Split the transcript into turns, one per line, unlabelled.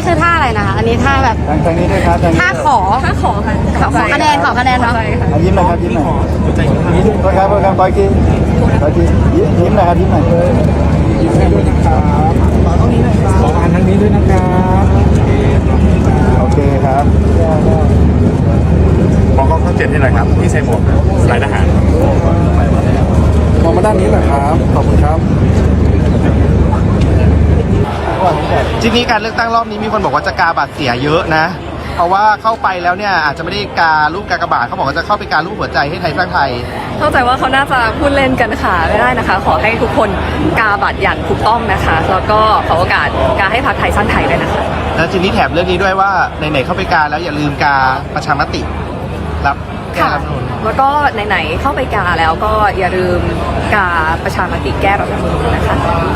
คือท่าอะไรนะคะอันนี้ท่าแบบ
ทางนี้ด้วยครับทางนี้
ท่าขอค่ะขอคะแนนเนาะ
ยิ้มหน่อยครับยิ้มหน่อยยิ้มครับขออีกทียิ้มหน่อยครับยิ้มหน่อยยิ้มให้ด้วยนะครับขออ่านทางนี้ด้วยนะครับโอเคครับ
มองกล้องช่อง 7ให้หน่อยครับที่ใส่หมวกสายทหาร
มองมาด้านนี้หน่อยครับขอบคุณครับ
ทีนี้การเลือกตั้งรอบนี้มีคนบอกว่าจะกาบัตรเสียเยอะนะ เพราะว่าเข้าไปแล้วเนี่ยอาจจะไม่ได้การูปกากบาทเขาบอกว่าจะเข้าไปการูปหัวใจให้ไทยสร้างไทย
เข้าใจว่าเขาน่าจะพูดเล่นกันค่ะไม่ได้นะคะ ขอให้ทุกคนกาบัตรอย่างถูกต้องนะคะ แล้วก็ขอโอกาสกาให้พรรคไทยสร้างไทยด้วยนะคะ
แล้วทีนี้แถมเรื่องนี้ด้วยว่าไหนๆเข้าไปกาแล้วอย่าลืมกาประชามติรับแก้
ค่ะ
รัฐธรรมนูญ
แล้วก็ไหนๆเข้าไปกาแล้วก็อย่าลืมกาประชามติแก้รัฐธรรมนูญนะคะ